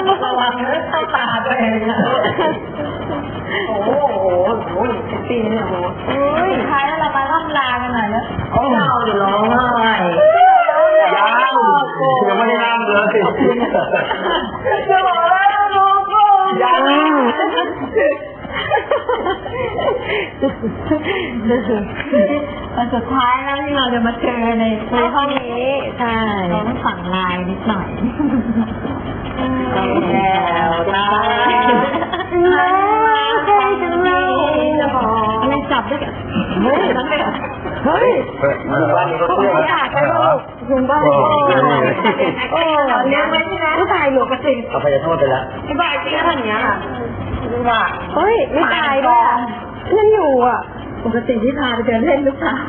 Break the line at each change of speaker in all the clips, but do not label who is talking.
ระวังเรื่องเข้าตาตัวเองนะโอ้โหปีนี้โอ้โหสุดท้ายแล้วเรามาล่ำลากันหน่อยนะเราเดี๋ยวร้องไห้
ยังไม่ได้นั่งเลย
จะบอกแล้วลูก
ยัง
วันสุดท้ายแล้วที่เราจะมาเจอในห้องนี้ใช่เราต้องสั่งไลน์นิดหน่อยแล้วนะไม่จับด้วยกันเฮ้ยนั่นเลยเฮ้ย
บ้านนี้ก็เชื่อ
อยากไปลูกยุงบ้านโอ้เลี้ยงไว้ใช่ไหมผู้ชายหลวงกระสิง
เอาไปจะโทษไปแล้ว
ที่บ้านจริงขนาดนี้ค่ะดูว่าเฮ้ยไม่ตายด้วยนั่นอยู่อ่ะปกติที่พาไปเดินเล่นลูกสาว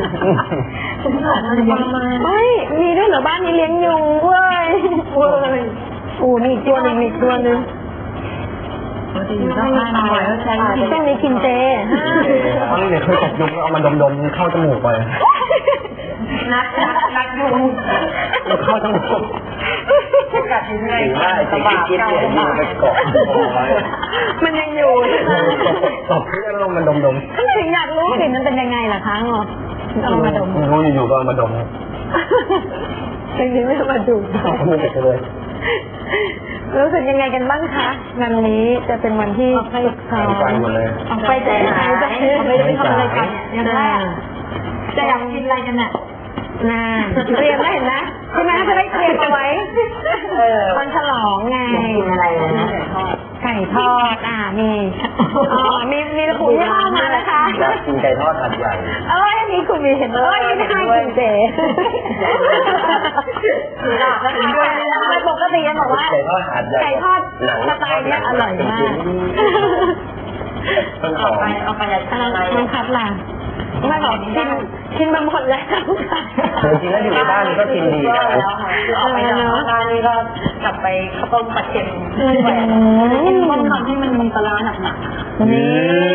ไม่มีด้วยเหรอบ้านนี้เลี้ยงยุงเว้ยมีอีกตัวหนึ่งต้องนี้กินเจ
ตอนนี้เนี่ยเคยตกยุงเอามาดมๆเข้าจมูกไป
นักยุง
เข้าจมูก
กัดยังไง
สบายเก่าไปเกาะ
มันยังอยู่
ตบเพื่อนลงมันดม
ถึงอยากรู้กลิ่นมันเป็นยังไงล่ะคะงอเอามาดม
รู้อยู่ก็มาดม
จริงๆไม่มาดู
มือเด็กเลย
รู้สึกยังไงกันบ้างคะงานนี้จะเป็นวันที่ฝึกซ้อมไปใจหายไม่ได้ไปทำอะไรกันยังไงจะอยากกินอะไรกันน่ะเตรียมได้เห็นนะใช่ไหมจะได้เตรียมเอาไว้วันฉลองไง
กินอะไรนะ
ไก่ทอดมีระบุยี่ห้อมานะคะ
อยากกินไก่ทอดหัดใหญ่
นี่คุณมีเห็นเลยไม่ให้กินเจปกติยังบอกว่าไก่ทอดสไตล์นี้อร่อยมากเอาไปอะไรน้องคัดล่ะไม่บอกกินมาหมดแล้ว
จริงแล้วอยู่ในบ้านก็กินดีนะ
เอาไปจากบ้านนี่ก็กลับไปข้าวต้มปลาเค็มต้มทำให้มันมีปลาร้าหนักๆนี่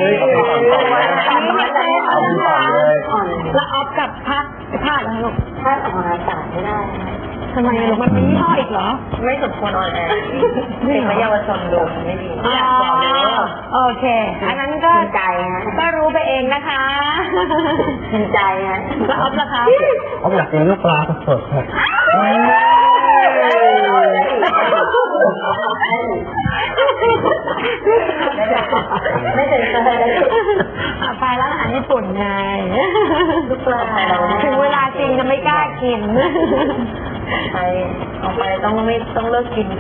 แล้วออฟกับพัดแล้วลูกพัดออกอากาศไม่ได้ทำไมลูกมันมียี่ห้ออีกเหรอไม่สมควรออนแอร์เป็นเยาวชนดูไม่ดีโอเคอันนั้นก็ใจนะก็รู้ไปเองนะคะใจนะแล้วออฟล่ะคะ
ออฟอยากกินลูกปลาสดครับ
ไม่ถึงไปร้านอาหารญี่ปุ่นไงลูกปลาถึงเวลาจริงจะไม่กล้ากินออกไปต้องเลิกกิน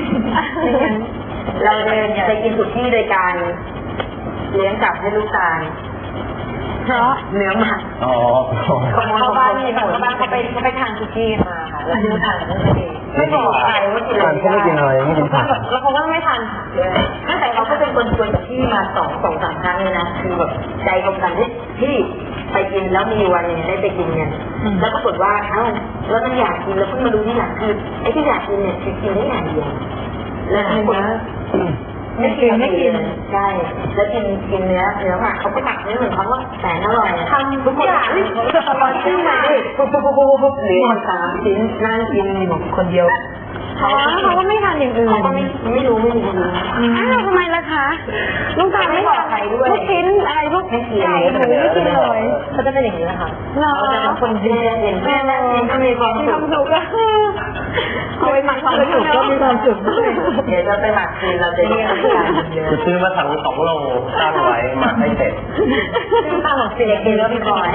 เราจะกินสุดที่โดยการเลี้ยงกลับให้ลูกตาลเพราะเนื้อหมักเขาบ้านนี่แบบบ้านเขาไปทานซุกี้มาค่ะแล้วดูทานไม่บอกใครว่ากินอะไร
เขาไม่กินอะไรไม่กินผัก
แล้วเขาก็ไม่ทานเลยตั้งแต่เขาก็เป็นคนชวนกับพี่มาสองสามครั้งเลยนะคือแบบใจตรงกันที่ไปกินแล้วมีวันนึงได้ไปกินกันแล้วปรากฏว่าแล้วมันอยากกินแล้วเพิ่งมาดูที่หลังคือไอ้ที่อยากกินเนี่ยคือกินได้อย่างเดียวแล้วคนไม่กินใช่แล้วกินเนื้อผักเขาก็ตักเนื้อเหมือนเขาว่าแสนอร่อยทำทุกอย่างตลอดชื่อมาปุ๊บหรือ3 ชิ้นนั่งกินคนเดียวเขาก็ไม่ทานอย่างอื่นเขาไม่รู้ทำไมล่ะคะลูกตาไม่บอกใครด้วยลูกชิ้นอะไรลูกไก่หมูไม่กินเลยเขาจะเป็นอย่างนี้นะคะเขาจะเป็นคนเย็นแม่ก็มีความสุขเอาไปหมักความสุขก็มีความสุขเดี๋ยวจะไปหมักคืนเราจะเรียก
จะซื้อมาสั่ง2 โลตั้งไว้หมักให้เสร็จ
ตั้งหมด4 กิโลพี่บอย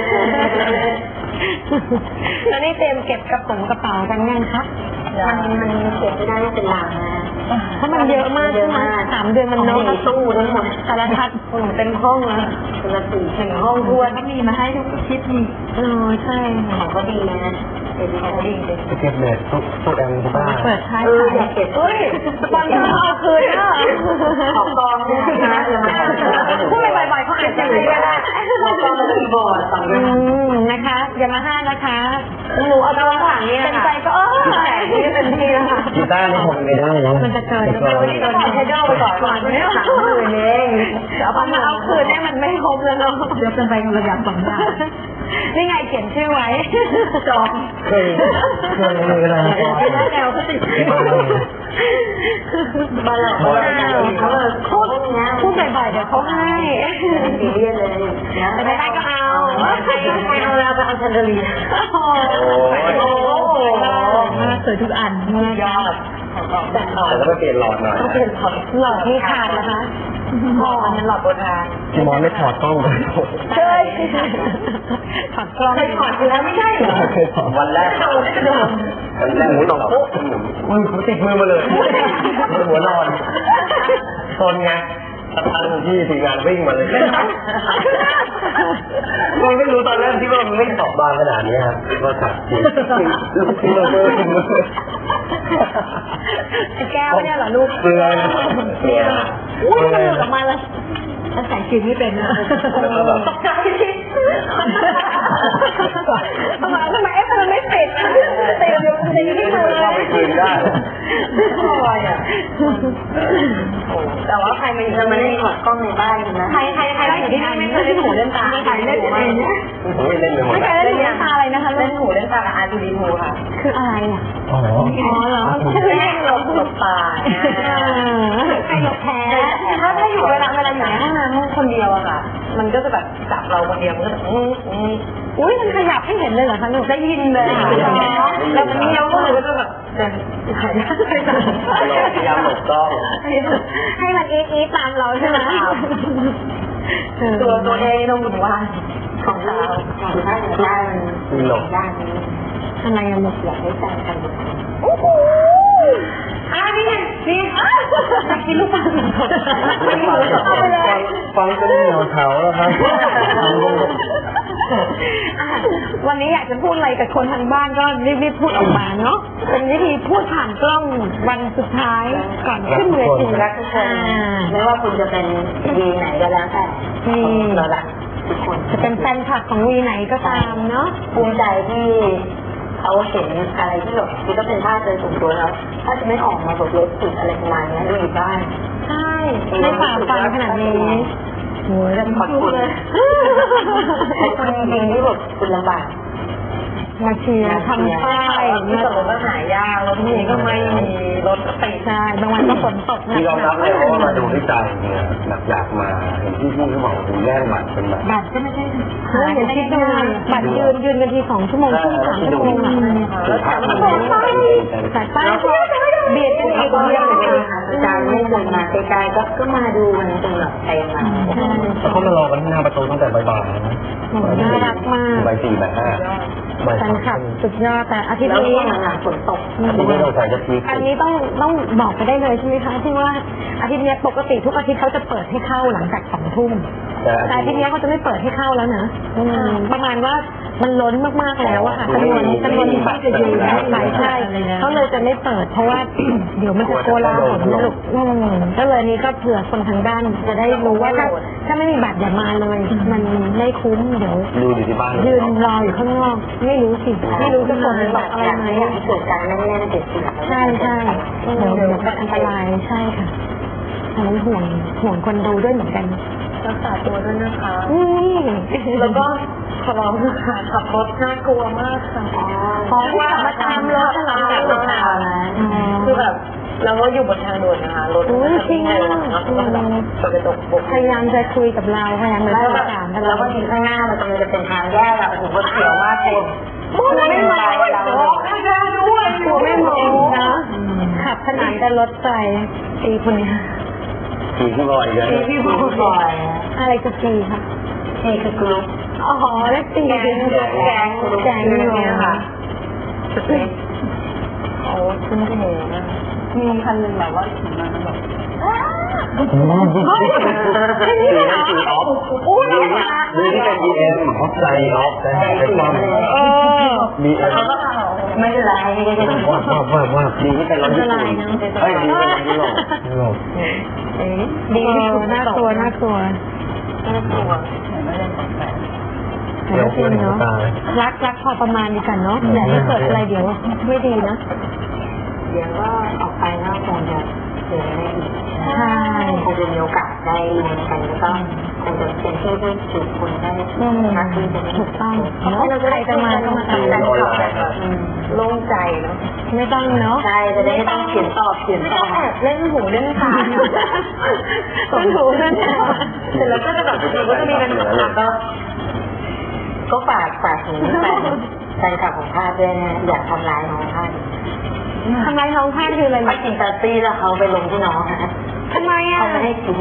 แล้วนี่เตรียมเก็บกระเป๋ากันยังคะมันเก็บไม่ได้เป็นหลังนะเพราะมันเยอะมากใช่ไหม3 เดือนมันน้อยตู้ทั้งหมดสารพัดเป็นห้องนะเป็นละ4 ห้องด้วยก็มีมาให้ทุกทิศนี่ใช่ของก็ดีนะเป็นของดีเลย
เก็บเด็ดตู้แอมทุกบ้าน
เปิดท้ายค่ะเก็บตอนที่เอาคืนก็ของกองเนี่ยนะพูดบ่อยๆเขาอาจจะไม่ได้ของกองมันมีบอร์ดนะคะอย่ามาห้านะคะหนูเอาตัวหลังเนี่ยเป็นใจก็แต่นี่เป็นที่นะคะ
กีตาร์นี่ผมไม่ได้นะ
มันจะเกินใช้ดอกไปก่อนเนี่ย30,000เองเอาคืนเนี่ยมันไม่ครบแล้วเนาะเดี๋ยวเป็นไปกันระดับ2 บาทนี่ไงเขียนชื่อไว้จอง
เคยมีอะไร
แล้วแนวก็ติด
เขาให้
ซีเรียสเลยนะ
ไม่ได้ก็เอา
ใครเอาแล้วก็เอาชันเดลีย
โอ้โหสวยทุกอัน
ยอดแต่หลอด
แต่ก็ไปเปลี่ยนหลอดหน่อย
ต้องเปลี่ยนหลอด
หลอดมีขาดนะคะ
หลอดมันหลอดโบราณ
พี่มอนไม่ถอดกล้องเลย
ใช่ถอดกล้อง
เคยถอดอยู่แล้วไม่ใช่เหรอ
วันแรก มันหมูหนองปุ๊บมือติดมือมาเลยหัวนอนทนไงสักพักที่ทีมงานวิ่งมาเลยมันไม่รู้ตอนแรกที่ว่ามันไม่ตอบบางขนาดนี้ครับว่าขัดจริงที่เราเมื่อ
แก้วเนี่ยเหรอลูก
เปลือย
อุ้ยมันหลุดออกมาเลยแล้วใส่ชีไม่เป็นนะตกใจที่ทำไมมันไม่ติดนะติดอยู่ในนี้เลย
เราไปคืนได้
ลอยอ่ะแต่ว่าใครมาอยู่ไม่ได้ถอดกล้องในบ้านนะใครอยู่ที่นี่ไม่เคยเล่นหูเล่นตาใครเล่นเอง
ผมไม่เล่นเลยหมด
ไม่เคยเล่นน้ำตาอะไรนะคะ
เล่นหูเล่นตากับอาร์ตูดีโฮค่ะ
คืออะไรอ่ะ
อ๋อ
เหรอ
คือเล่นหลบตา
ใครหลบแพ้
ถ้าอยู่เวลาอยู่ในห้องน้ำคนเดียวอะค่ะ มันก็จะแบบจับเราคนเดียวมันก็จะ
อุ้ยมันขยับให้เห็นเลยเหรอคะลูก
ได้ยินเลยค่ะแล้วมันนี้เราก็เลยก็จะแบบเดินหายไป
พยายามหลบกล้อง
ให้มันอีตามเราใช่ไหม
ตัวเองตรงหมู่บ้านของเราอยู่ด้านด้านนี้
ทำไมอะลูก
อยากให้ใจกัน
โอ้โหนี่ไงนี่อยากกินลูกปัง
ฟังก็ได้เหนียวเท้าแล้วครับ
วันนี้อยากจะพูดอะไรกับคนทางบ้านก็รีบพูดออกมาเนาะเป็นวิธีพูดผ่านกล้องวันสุดท้ายก่อนขึ้นเวที
รักทุกคนไม่ว่าคุณจะเป็นวีไหนก็แล้วแต่เรารักทุกคน
จะเป็นแฟนคลับของวีไหนก็ตามเนาะ
ภูมิใจที่เขาเห็นอะไรที่แบบคือก็เป็นภาพโดยส่วนตัวแล้วถ้าจะไม่ออกมาบทรถสุดอะไรประมาณนี้ดูอยู่บ้าน
ใช่ไม่ฝ่าฟันขนาดนี้โหย
ขอบคุณเลยขอบคุณจริงๆที่แบบคุณลำบาก
มาเชียร์ทำป้าย
ที่ตกก็หายากรถนี้ก็ไม่มีรถติด
ใช่บางวันก็ฝนตกหนั
ที่ยอมรับเลย
ก
ว่ามาดูที่ใจเนี่ยอยากมาเห็นพี่เขาบอกถึงแย่งบัตรเป็นแบบ
บัตรก็ไม่ใช่หาอย่างที่ดูบัตรยืนกันที2 ชั่วโมงครึ่ง3 ชั่วโมงอ่ะแล้วแต่ป้ายเบียดกันอีกเดียวนะคะ
ใจไม่เคยมาไกลๆก็มาดูมันจนแบบเต็มมา
แล้วเขามารอกันที่หน้าประตูตั้งแต่บ่ายๆนะ
น่ารักมาก
บ่าย 4 บ่าย 5 บ่าย
แฟนคลับ
3
สุดยอดแต่อาทิตย์
แล้ว
นี้
ก็หลังฝนตก
ที่ไม่ต้องใส่จะพีค
อันนี้ต้องบอกไปได้เลยใช่ไหมคะที่ว่าอาทิตย์นี้ปกติทุกอาทิตย์เขาจะเปิดให้เข้าหลังจาก2 ทุ่มแต่อาทิตย์นี้เขาจะไม่เปิดให้เข้าแล้วนะประมาณว่ามันล้นมากๆแล้วอะค่ะจำนวนที่จะยืนใช่เขาเลยจะไม่เปิดเพราะว่า เดี๋ยวมันจะโกลาหลนะลูกก็เลยนี้ก็เผื่อคนทางด้านจะได้รู้ว่าถ้าไม่มีบัตรอย่ามาเลย มันไม่คุ้มเดี๋ยว
ดูอยู่ที่บ้าน
ยืนรออยู่ข้างนอกไม่รู้สิไม่รู้จะคนบอกอะไรไหม
เกิดการแน่นๆเกิดขึ้น
ใช่เดี๋ยวก็อันตรายใช่ค่ะอันนั้นห่วงคนดูด้วยเหมือนกัน
รักษาตัวด้วยนะคะ
แล้วก็
ขอร้องนะคะขับรถน่ากลัวมากค่ะ
เพราะว่ามาตามรถตลอด
รถทางคือแบบเราก็อยู่บนทางด่วนนะคะรถ
จริง
แล้วก็แบบเปิดกระจกบก
พยายามจะคุยกับเราพยายามจะ
แล้ว
สื่
แบ
อบ สารกับ
แล้ว
เรา
ก็ทีข้างหน้ามันกำลังจะเป็นทางแยกอะโอ้โหเขียวมากเลยไม่มองเราข้างหน้าด้วย
ตัวไม่มองนะขับขนานกับรถไฟตีคนนี้
ทีพี่บอยเลย
พี่พูดบ่อย
อะไรจะตีค่ะ
นี่คือกรุ๊ป
อ๋อแล้วตี
แกงเนี่ยค่ะสุดเลยโอ้ขึ้นเทนะมีคันหนึ่งแบบว่าขี่มาแบบ
แค่นี้เลยเหรอโอ้ย
ดูที่เป็น BM ออฟไลน์ออฟแต่เป็นความ BM
ไม่เป็นไร
ว่าดีที่เป็นรถญี่ปุ่นเฮ้ยดีเป็นรถยุโรป
ดีน่ากลัวน่ากลัว
เดี๋ยวคุณเนาะ
รักพอประมาณดีกันเนาะอย่าให้เกิดอะไรเดี๋ยวไม่ดีนะ
เดี๋ยวก็ออกไปแล้วคงจะเจอได้อีก
ใช่
คงจะมีโอกาสได้เรียนกันแล้วก็คงจะเป็นช่วยเพื่อนฝึกคนได้มากขึ้น
ถูกต้องแล้วใครจะมาก็มาทำกัน
โล่งใจเนาะ
ไม่ต้องเนาะ
ใช่จะได้ไม่ต้องเขียนตอบแอบเล่นหูเล่นขาเล่นหูเล่นขาเสร็จแล้วก็จะแบบเราก็จะมีปัญหาก็ฝากถึงแฟนคลับของข้าด้วยนะอย่าทำร้ายน้องข้า
ทำไมน้องพลาดคืออะไร
ไม่กินตาตี้แล้วเขาไปลงที่น้องนะ
ทำไมอ่ะ
เขาไม่ให้กิน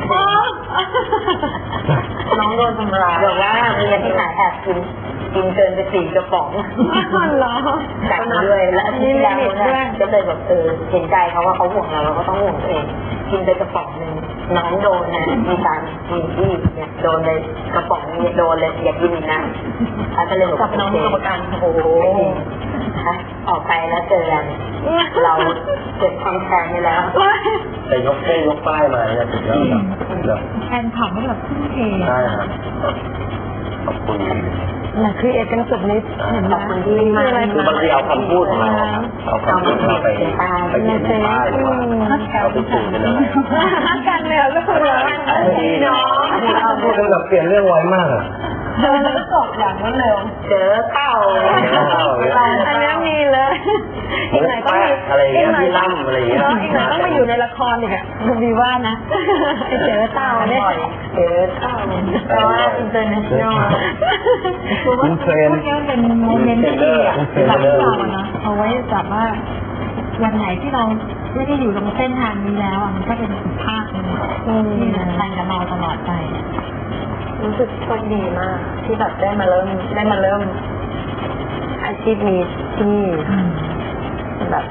น้องโดนทำร้ายแบบว่าเมียที่ไหนแอบกินเกินไป4 กระป๋อง
เหรอ
กัดด้วยและที่แล้วเนี่ยก็เลยแบบเห็นใจเขาว่าเขาห่วงเราก็ต้องห่วงตัวเองกินไปกระป๋องนึงน้องโดนนะมีการมีที่เนี่ยโดนเลยกระป๋องนี้โดนเลยอย่ากินอีกนะก็เลยกับน้องกรรมการโอ้โหออกไปแล้วเจอกันเราเก็บความแค้นไปแล้ว
แต่ยกป้ายมาเนี่ยถึงแล้ว
แฟนคลับไม่แบบทุ่มเท
ใช่ครับขอบคุณ
น่ะคือเอกกันสุดฤทธิ์เห็นไหม
คือบางทีเอาคำพูดของเราเอาคำพูดของเราไปเขียนป้ายหรือว่าเอาไปสื่อกันอะไร
รักกันเลยก็คือรักน้อง
พูดกันแบบเปลี่ยนเรื่องไวมากอ่ะ
เจอแล้วก็จบอย่างรวดเร็ว
เจอเต่า
อันนี้มีเลยอีกหน่อยต้องมี
อะไรเงี้ยพี่ล่ำอะไรเงี้ย
อีกหน่อยต้องมาอยู่ในละครอีกอ่ะคุณดีว่านะเจอเต่าเนี่ย
เจอเต่าแต่ว่าอินเตอร์เนชั่นแนล
คุณเทรน
พวกนี้มันเป็นโมเมนต์ที่ดีอ่ะแบบที่เราอะนะเอาไว้แบบว่าวันไหนที่เราไม่ได้อยู่ตรงเส้นทางนี้แล้วอ่ะมันก็เป็นอีกภาคหนึ่งที่มันไปกับเราตลอดไปรู้สึกโชคดีมากที่แบบได้มาเริ่มอาชีพนี้ที่นี่แบบ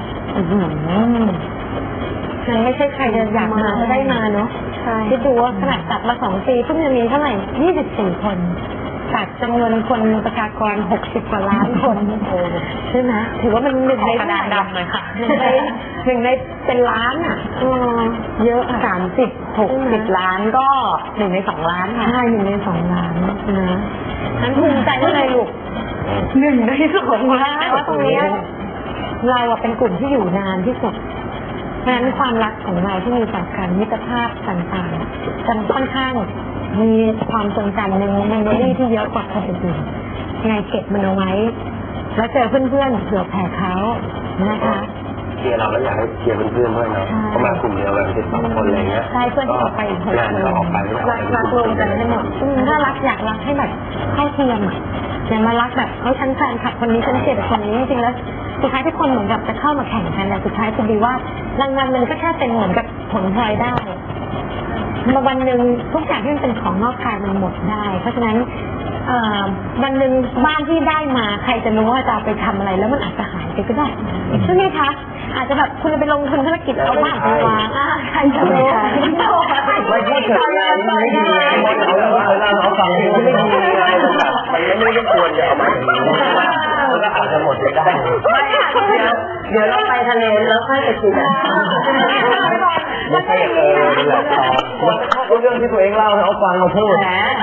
มันไม่ใช่ใครจะอยากมาก็ได้มาเนาะคิดดูว่าขนาดจัดมา2 ปีเพิ่งจะมีเท่าไหร่24 คนจากจำนวนคนประชากร60 กว่าล้านคนใช่ไหมถือว่ามัน1 ในกระดานดำเลยค่ะ1 ในเป็นล้านอ่ะเยอะ30-60 ล้านก็1 ใน 2 ล้านค่ะใช่1 ใน 2 ล้านนะนั้นภูมิใจว่าไงลูก1 ใน 2 ล้านแต่ว่าตรงนี้เราเป็นกลุ่มที่อยู่นานที่สุดเพราะฉะนั้นความรักของเราที่มีต่อกันมิตรภาพต่างๆจะค่อนข้างมีความทรงจำในเมมโมรี่ที่เยอะกว่าคนอื่นๆไงเก็บมันเอาไว้แล้วเจอเพื่อนๆเผื่อแผ่เขานะคะ
เชียร์เราแล้วอยากให้เชียร์เพื่อนๆด้วยนะเขามากลุ่มเดียวกัน12 คนอะไรเงี้ย
ใช่เพื่อนที่ออกไปอีก6 คนรักรวมกันให้หมดถ้ารักอยากรักให้แบบเข้าเทียมอ่ะอย่ามารักแบบฉันแฟนคลับคนนี้ฉันเกลียดคนนี้จริงๆแล้วสุดท้ายทุกคนเหมือนกับจะเข้ามาแข่งกันแต่สุดท้ายจะดีว่ารางวัลมันก็แค่เป็นเหมือนกับผลพลอยได้มาวันหนึ่งทุกอย่างที่มันเป็นของนอกกายมันหมดได้เพราะฉะนั้นวันหนึ่งบ้านที่ได้มาใครจะรู้ว่าจะเอาไปทำอะไรแล้วมันอาจจะหายไปก็ได้ใช่ไหมคะอาจจะแบบคุณไปลงทุนธุรกิจเอาบ้านไปวางใครจะรู้
ไม่พูดถึงไม่ดีเราฟังไม่ดีมันไม่ได้ควรจะเอามาอย่างนี้มันก็อาจจะหมดไปได้
เดี๋ยวเราไปทะเลแล้วค่อยไปกิน
ไม่ใช่นี่แหละเขาเรื่องที่ตัวเองเล่าเขาฟังเขาพูด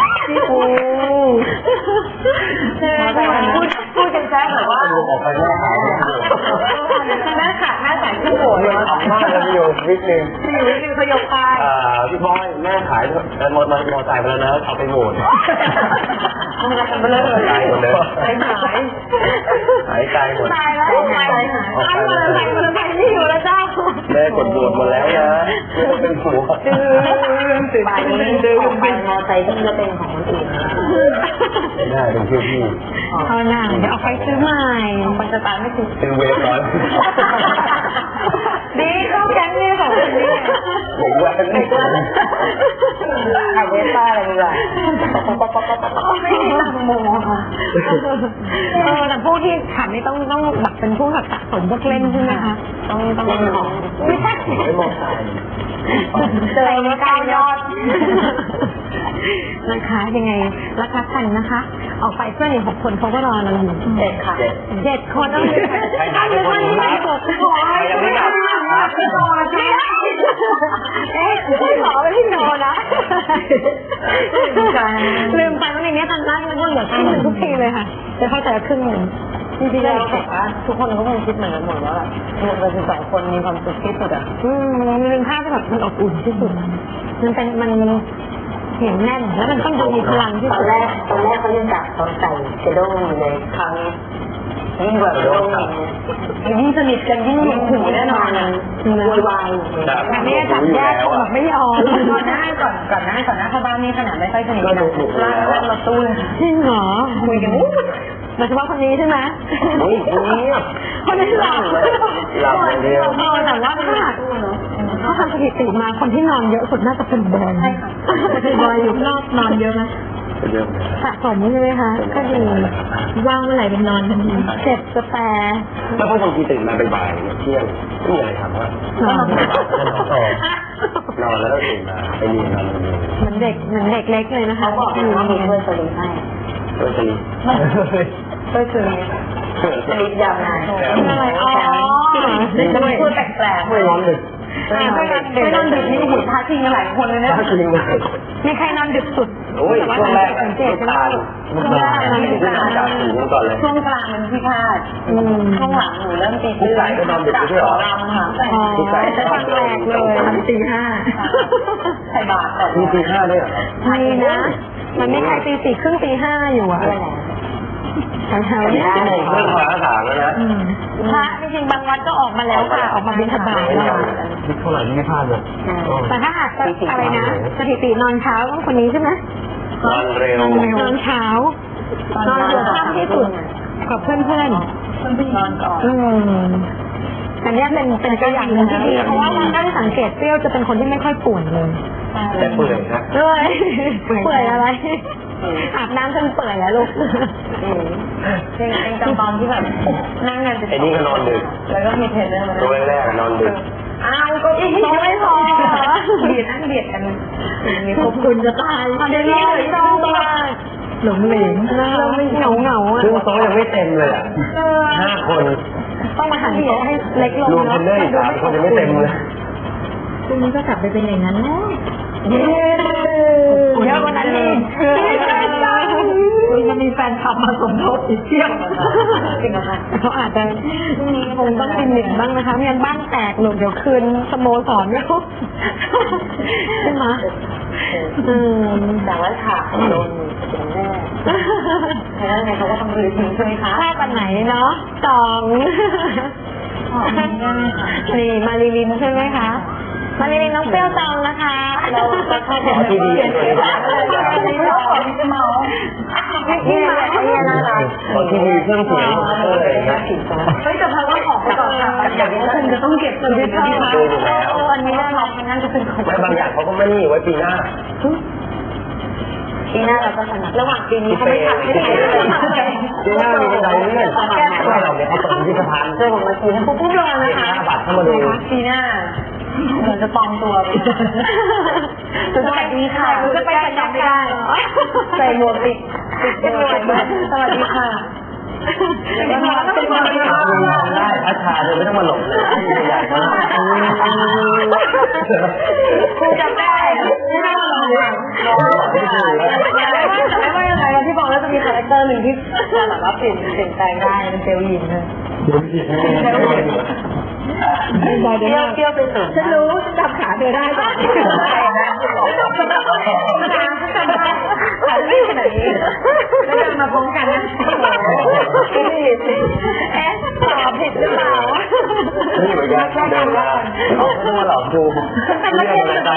พูดกันแซ่บแบบว่า
ออกไปแม่ขาย
หน้าขาดหน้าใสขึ้นโหด
เลยออกมากเลยอยู่วิกนึง
เขายกไป
พี่บอยแม่ขายมอเตอร์ไซค์ไปแล้วนะเอาไปโหวต
มันเลิกเลย
ตายหมดเลยหายตายหมด
ตายแล้วตายเลยไม่อยู่แล้วเจ้า
แม่กดโหวตหมดแล้วนะไม่ต้องเป็นผัว
ป่านนี้ออกไปมอไซค์ที่จะเป็นของคนอื่น
ได้เป็นชื่อพี่
เอาหน่าเดี๋ยวเอาไปซื้อใหม่
มันจะตายไม่ถูก
เป็นเวฟร้อย
ดีเข้าแก๊งนี่ของคนนี้
เด็กว่า
เด็กว่าไอเวฟป้าอะไรนี่แหละ
ไม่มีตังโมค่ะแต่พวกที่ขับนี่ต้องแบบเป็นผู้ขับสะสมพวกเล่นใช่ไหมคะต้อง
เล่นของ
ไม่ใช่
ไม่มองตาย
เจอมา9 ยอดนะคะยังไงรักกันนะคะออกไปเพื่อนอีก6 คนเขาก็รอเราอยู่
7 ค่ะ
7 คนต้องใครหายไปคนนึงขอยังไม่กลับพี่โนนะพี่ขอไปพี่โนนะลืมไปว่าในนี้ตอนแรกนึกว่าเหลือครึ่งนึงทุกทีเลยค่ะจะเข้าใจครึ่งนึงจริงๆแล้วแบบว่าทุกคนก็คงคิดเหมือนกันหมดว่าแบบรวมกัน12 คนมีความสุขที่สุดอ่ะมันเป็นภาพที่แบบมันอบอุ่นที่สุดมันเป็นมันเหนียวแน่นแล้วมันต้องดูมีพลังที่
ตอ
สุ
น
ด
แรกเขายังจับตอนใส่กระด้งอยู่เลยคราวนี้ยิ่งกว่ากระด้งยิ่งสนิทกันยิ่งหนุกหูแน่นอนโวยวาย
แต่ไม่ได้จับแยกคนแบบไม่ยอม
ก่อนหน้าเข้าบ้านนี่ขนาดไม่ค่อยสนิทกันลากรถตู้เลย
จริงเหรอ
คุยกัน
โดยเฉพาะคนนี้ใช่ไหม
อุ้ยคนนี้
คนนี้หลับ
หลับอย่างเดียว
แต่ว่าถ้าทำสถิติมาคนที่นอนเยอะสุดน่าจะเป็นบอยใช่ค่ะบอยอยู่นอกนอนเยอะไหม
เยอะ
สะสมใช่ไหมคะก็ดีว่างเมื่อไหร่เป็นนอนทันทีเจ็บจะแปร
แล้วพอบางทีตื่นมาบ่ายๆเที่ยงไม่มีอะไรทำว่านอนแล้วก็ตื่นมาไปเรียนนอน
เหมือนเด็กเล็กเลยนะคะ
เขาบอกว่ามีเพื่อนสลิปให้
เพื่อนสนิท
เพื่อนสลิปยาวนาน
อะไรอ๋อ
จะมาพูดแปลกๆ
ไม่ร้อนดึก
ไม่นอนดึกนี่หุ่นท้าชิงกันหลายคนเลยนะ
ถ้าจริงเลย
มีใครนอนดึกสุด
โอ้ยช่วงแรก
สังเกต
น้ำ
ใช่ไหม
ตาลจากสูงก่อนเลย
ช่วงกลางมันพี่พลาดช่วงหลังหนูเริ่มตี
ผู้ใหญ่ก็นอนดึกด้วยเหรอ
รำค่ะ
อ๋อจะฟังแรกเลยตี 5
ใส่บาตรก่อน
มีตีห้าด้วยเหรอ
มีนะ มันไม่ใครตี 4 ครึ่งตี 5อยู่อ่ะแถวๆนี้
ชั่วโมงเรื่องภาษาแล้วนะ
พระจริงๆบางวัดก็ออกมาแล้วค่ะออกมาบิณฑบาตแล้ว
คิดเท่าไหร่ไม่พลาดเลย
แต่ถ้าหากอะไรนะสถิตินอนเช้าต้องคนนี้ใช่ไหม
นอนเร็ว
นอนเช้านอนหัวค่ำที่สุดกับเพื่อน
นอนก่อน
อันนี้เป็นตัวอย่างหนึ่งที่ดีเพราะว่าถ้าได้สังเกตเปรี้ยวจะเป็นคนที่ไม่ค่อยป่วนเลย
แต่เปื่อยนะ
เลยเปื่อยอะไรอาบน้ำจนเปื่อยแล้วลูก
เป็นตอนที่แบบนั่งกัน
ไอ้นี่ก็นอนดึก
แล้วก็มีเทรนเนอร์มา
ตัวแรกนอนดึก
อ้าวก็อีกไม่พอเบียดนั่งเบียดกันมีขอบคุณจะตายพอเดี๋ยวนี้เลยต้องมาหลงเหลง
เราไม่เหงาอ่ะ
ซึ่งโต๊ะยังไม่เต็มเลยอ่ะ5 คน
ต้องมาหันโต๊ะให้เล็กลง
รวมเทรนเนอร์อีก3 คนยังไม่เต็มเลย
พรุ่งนี้ก็กลับไปเป็นอย่างนั้นแล้วเยอะกว่านั้นอีกจะมีแฟนคลับมาสมทบอีกเที่ยวจริงนะคะเขาอาจจะคงต้องกินหนึ่งบ้างนะคะไม่งั้นบ้านแตกหลุดเดี๋ยวคืนสโมสรไม่ครบใช่ไหม
แต่ว่าฉากโดนเสียงแน่แล้วไงเขาก็ต้องรื้อทิ้งใช่ไหมคะ
ภาพอันไหนเนาะนี่มาริลินใช่ไหมคะมาริลินน้องเปรี้ยวจองนะคะเราจะเข้าไป
ที่ดีเลย
นี่เราขอที่จะเมาที่มาเนี่ยน่ารัก
ที่มีเครื่องเสียงอะไรอย่างเงี้ย
เฮ้ยแต่พอว่าของไปก่อนค่ะอย่างนี้คุณจะต้องเก็บเงินที่เท่าไหร่อันนี้น่ารักนั่นจะเป็นของ
ไม่บางอย่างเขาก็ไม่นี่ไว้ปีหน้า
ปีหน้าเราก็ถนัดระหว่างปีนี้เขาไม่ทำไม่ได้เลย
ปีหน้ามีบันไดเลื่อนไม่เราเนี่ยเขาเปิดพิพิธภัณฑ์
เจอผมมาทีนะปุ๊บลงนะคะ
5 บาทเข้ามาดู
ปีหน้าเหมือนจะปลอมตัวไปสวัสดีค่ะจะไปจับไม่ได้ใส่หมวกปิดสวัสดีค่ะเป็นหมวกเป็นหมวก
ได้พัชชาเลยไม่ต้องมาหลงเลยใหญ่มาก
คุณจำได้ไม่ต้องหลงแต่ไม่ว่ายังไงที่บอกว่าจะมีคาแรคเตอร์หนึ่งที่แบบว่าเปลี่ยนแปลงได้เป็นเซลล์ยินเลยเที่ยวไปสุดฉันรู้ฉันจับขาเธอได้ก่อนขาวิ่งขนาดนี้แล้วเดินมาพร้อมกันนะตอบผิดหรือเปล่า
นี่เหมือนกันเดินมาเขาต้องมาหลอกดูเรื่องอะไรใจ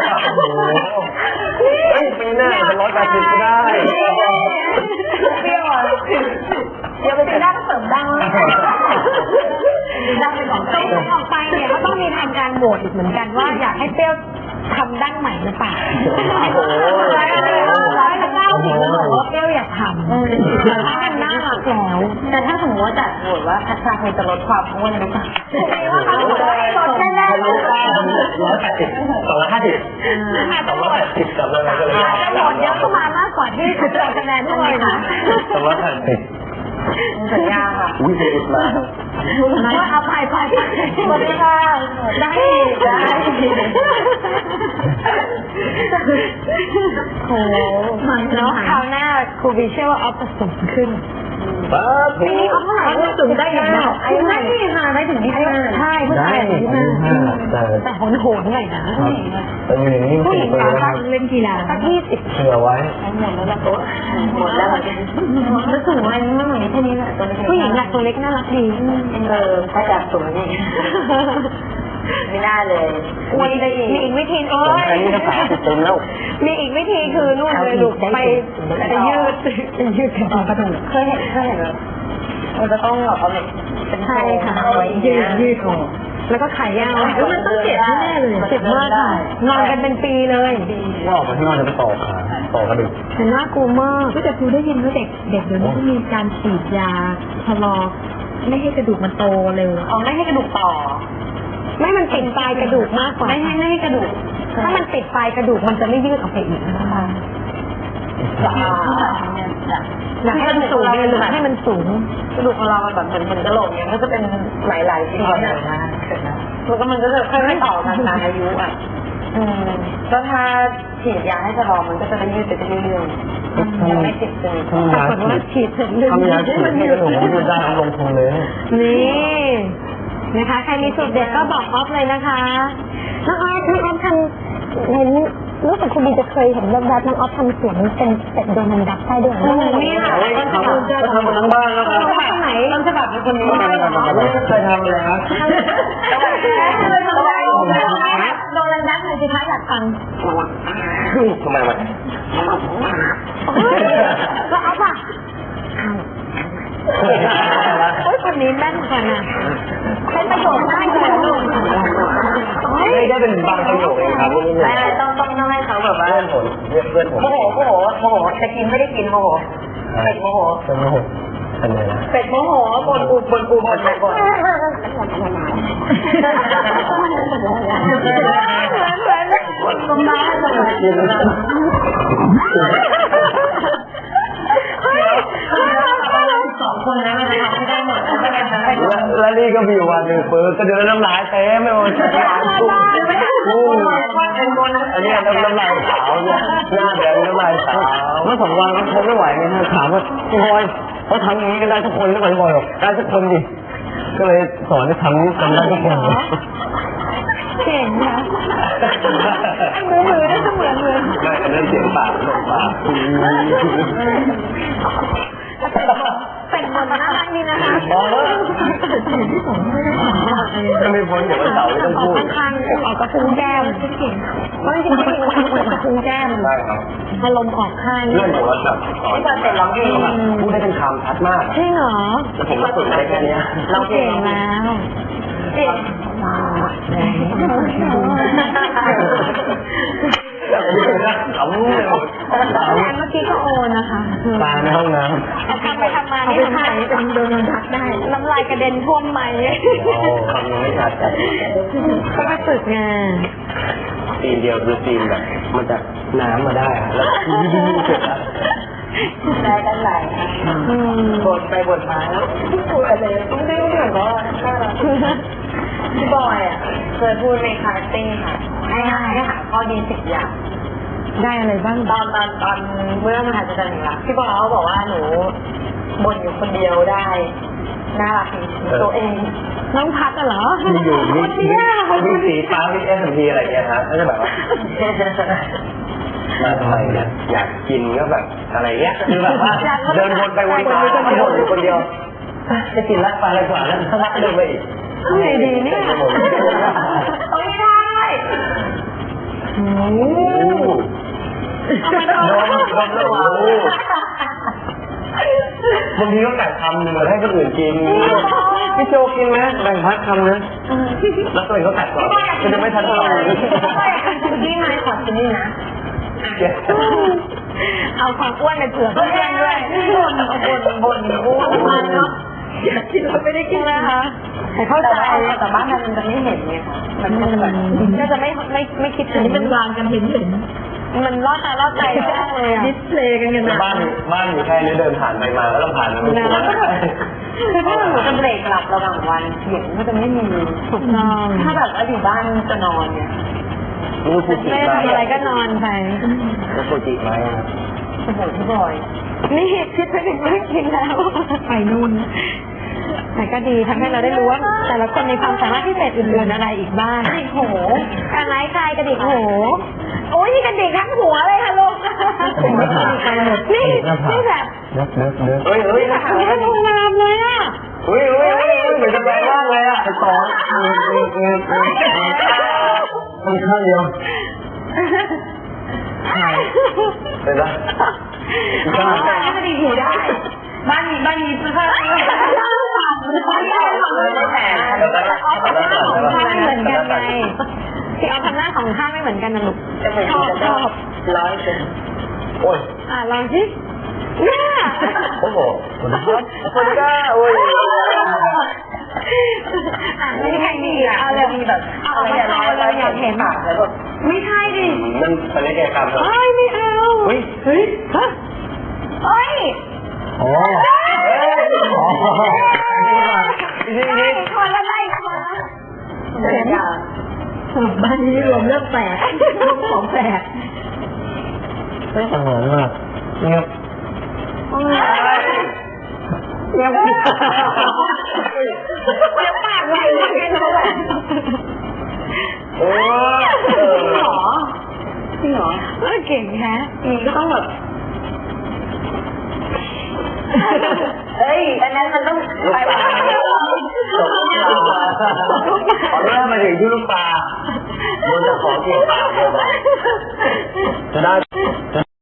เฮ้ยปีหน้าจะ180ก็ได้
เปรี้ยวอ่ะเดี๋ยวไปเป็นด้านเสริมดังดังเป็นของ
ตรงออกไปเนี่ยก็ต้องมีทำการโหวตอีกเหมือนกันว่าอยากให้เปรี้ยวทำดั้งใหม่หรือเปล่า190แล้วบอกว่าเปรี้ยวอยากทำถ้ามันน่ารักแล้ว
แต่ถ้าสมมติว่าจัดโหวตว่าพัชชาเคยจะลดความอ้วนหรือเปล่า
ว่าเขาลดแน่ๆเลย
180 280กับอะไรก็เลย
อาจจะโหวตเยอะเข้ามามากกว่าที่จะโหวตคะแนนด้วยนะ
280
สัญญาค่ะ
อุ้ยเด็ดมาก
ว่าเอาไป
สวัสดีค่ะได้
โอ้แล้วคราวหน้าครูบีเชื่อว่าออฟจะสูงขึ้น
ป้า
ปีนี้ออฟเท่าไหร่ก็สูงได้อีกนะอายุไม่ค่ะได้ถึงที่ใช่ผู้ชายถึงที่แต่โหนหน่อยนะ
แต่อยู่อย่างนี้มัน
ผู้ห
ติ
ญิ
ด
ง
ไป
ก็เล่นกีฬาสัก20
เชื่อไว้
หมดแล้วโต๊ะหมดแล้วแล้วสูงอะไรไม่เหมือนแค่นี้แหละตัวเล็ก
ผู้หญิงหลักตัวเล็กน่ารักดี
ถ้าจากสูงนี่ไม่น่าเลยมีได้อีก
มีอีกวิธีโอ้
ผม
ย
แค่นี้ก็30 เต็มแล้ว
มีอีกวิธีคือนู่นเลยลูกไปยืดกระดูก
เคยเห็นแบบมันจะต้องแบบเอาเหล็กเป็น
ใช่ค่ะ
ยืดออก
แล้วก็ขายาวมันต้องเจ็บแน่เลยเจ็บมากค่ะนอนกันเป็นปีเลย
ว่าออกไปข้างนอกจะไปต่อขาต่อกระดูก
แต่น่ากลัวมาก
แต่ครูได้ยินว่าเด็กเดี๋ยวนี้มีการฉีดยาชะลอไม่ให้กระดูกมันโตเร็ว
เอาไม่ให้กระดูกต่อ
ไม่มันติดปลายกระดูกมากกว่า
ไม่ให้กระดูก
ถ้ามันติดปลายกระดูกมันจะไม่ยืดออกไปอีกนะคะ อยากให้มันสูงเลยหรือให้มันสูง
กระดูกของเรามันแบบเหมือนกระโหลกเนี่ยก็จะเป็นหลายๆชิ้นใหญ่มากแล้วก็มันก็จะค่อยๆต่อกันตามอายุอ่ะก็ถ้าฉีดยาให้ชะลอมันก็จะได้ยืดไปเรื่อยๆยังไม่ติดจน
ปรากฏว่าฉีดเสร็จเลย
ทำยาฉีดให้กระดูกมันยืดได้เอาลงทุนเลย
นี่นะคะ ใครมีสูตรเด็ดก็บอกออฟเลยนะคะน้องออฟทำเห็นรู้สึกคุณบีจะเคยเห็นแบบน้องออฟทำเสียงเป็นเป็ดโดนันดักใช่ด้วย
นี่ค่ะ
ก็ทำมาทั้งบ้านแล้วครับ
ทำไหน
ต้นฉบับเป็นคนนี้
เคยทำเลยครับ
โดนันดักเลยสิคะอยากฟัง
ทำไมวะ
แล้วออฟอ่ะโอ้ยคนนี้แม่นกว่าน่ะเป็นประโยชน์มากเลยลูก
ไม่ได้เป็นบางประโยคเองครับ
ไม่ต้องให้เขาแบบว่า
เพื่อนผม
โมโหจะกินไม่ได้กินโมโหเป็ดโมโห
เป็นโมโหอันไหนนะ
เป็ดโมโหบ่นสองคนนั้นมันทำไม่ได้หมดไม่ได้ทั้ง
แล้วนี่ก็มีวันหนึ่งเปิดก็เดินน้ำลายเต็มไม่หมดอันนี้น้ำลายขาวเนี่ยหน้าแดงน้ำลายขาวเมื่อ2 วันเขาทนไม่ไหวไงฮะถามว่าพี่บอยเขาทำอย่างนี้กันได้ทุกคนหรือเปล่าพี่บอยบอกได้ทุกคนดิก็เลยสอนให้ทำกันได้ทุกคน
เก่งนะมือได้เสมือนเลย
ไม่อันนั้นเสียงปากเสียงปาก
เป็นบนน่ารักดีนะคะ
จะมีคนอย่างวันเสาร์ไม่ต้องพูด
ข้างๆออกกระพุ้งแก้มเพราะจริงๆผู้หญิงมันออกกระพุ้งแก้ม
ได้ครับ
อารมณ์ออกข้าง
เรื่องของวัดจับสอน
ที่ตอนเสร็จร้องเพลง
พูดได้เป็นคำชัดมาก
จริงเหรอ
แต่ผมก็ฝึกได้แค่นี้
เราเก่งแล้ว
เก่ง
ขำเลย
งานเมื่อกี้ก็โอนะคะ
ตาในห้องน้
ทำไปทำมานี่ทำไมเป็นโดนทักได้น้ำลายกระเด็นท่วมไม้
ำคำยังไม่ชัดจัด
ก็ไปฝึกงาน
ซีนเดียวคือซีนแบบมันจะน้ำมาได้แล้วเสร็จแล้ว
ได้กันหลายบ่นไปบ่นมาแล้วพี่พูดอะไรต้องได้ก็เหมือนว่าพี่บอยอ่ะเคยพูดในคาเฟ่ค่ะให้หาข้อดี10 อย่าง
ได้อะไรบ้าง
ตอนเมื่อมหาจันทร์รักพี่บอยเขาบอกว่าหนูบ่นอยู่คนเดียวได้น่ารักตัวเอง
น้องพัดเหรอ
มีอยู่มีสีฟ้ามีS&Pอะไรอย่างเงี้ยฮะก็จะแบบว่ามาทำไมเนี่ยอยากกินก็แบบอะไรเงี้ยคือแบบว่าเดินวนไปวนมาก็บ่นอยู่คนเดียวจะกินรักปลาอะไรกว่าแล้วถ้ารักเดินไปอีก
ไงดีเนี่ย
ไม่ได้
เอาไปต่อ
บางทีก็แบ่งคำหนึ่งมาให้คนอื่นกินพี่โจกินไหมแบ่งพักคำนะแล้วตัวเองก็แตกก่อนก็จะไม่ทันต่อ
พี่ไม้ขอชิ้นนี้นะ
เอาความอ้วนไปเผื่อเพื่อนด้วย
บ่นอ้วนเนาะอยากกินเราไม่ได้กินนะคะแต่เข้าใจแต่บ้านมันจะไม่เห็นไงคะมันก็จะแบบก็จะไม่คิดถึง
เป็นวางกันเห็น
มันล่อตาล่อใจมากเลยอ่ะ
ดิสเพลย์กันนะ
บ้านอยู่แค่นี้เดินผ่านไปมาแล้วต้องผ่านมาไม่ถึง
คือถ้าหนูจะเบรกหลับระหว่างวันเสียงก็จะไม่มี
ถูกต้อง
ถ้าแบบว่าอยู่บ้านจะนอนเนี่ย
รู้ฟูจิ
ไม่ได้ทำอะไรก็นอนไป
รู้ฟูจิไหม
โอ้โหพี่บอย
นี่คิดไปถึงเรื่องจริงแล้ว
ไปนู่น
แต่ก็ดีทำให้เราได้รู้ว่าแต่ละคนมีความสามารถพิเศษอื่นๆอะไรอีกบ้าง
โอ้โห
การไล่คลายกระดิกหูโอ้ยนี่กระดิกทั้งหัวเลยค่ะลูกนี่นี่แบบ
เด็กเฮ้ย
นี่แบบนี้โรงแรมเลยอ่ะ
เฮ้ยเหมือนจะแปลงร่างเลยอ่ะไปต่อมันข้างเดียวไปละ
บ้านกระดิกหูได้บ้านนี้เสื้อผ้าไม่ได้แต่
อ๋อทำหน้าของข้าไม่เหมือนกันไงที่เอาทำหน้าของข้าไม่เหมือนกันนะลูก
จะเป็น
ชอบ
โอ้ย
ลองสิเนี่ย
โอ้โหคนกล้าโอ้ย
ไม่ใช่ดีอ่ะเอาเลย
มีแบบ
เอาออกมาเอาเลยอยากเห็น
ปากแล้วแบบ
ไม่ใช่ดิ
มันเป็นเลขกรรม
เอ้ยไม่เอา
เฮ้ย
เฮ้ยฮะเอ้ย
โอ้นี่
คนละไล่คนละ
เห็นอย่าง
บ้านนี้รวมเรื่องแปลกรวมของแปลก
ไม่เหมือนมากเงียบ
เดี๋ยวปากไวมากเลยเขาแบบ
โอ้
จริงเหรอ
เก่งแฮะ
ก็ต้องแบบเฮ้ยอันนั้นมันต้องไปแบบ
ขอเริ่มมาถึงที่ลูกตามันจะขอเกี่ยวปากจะได้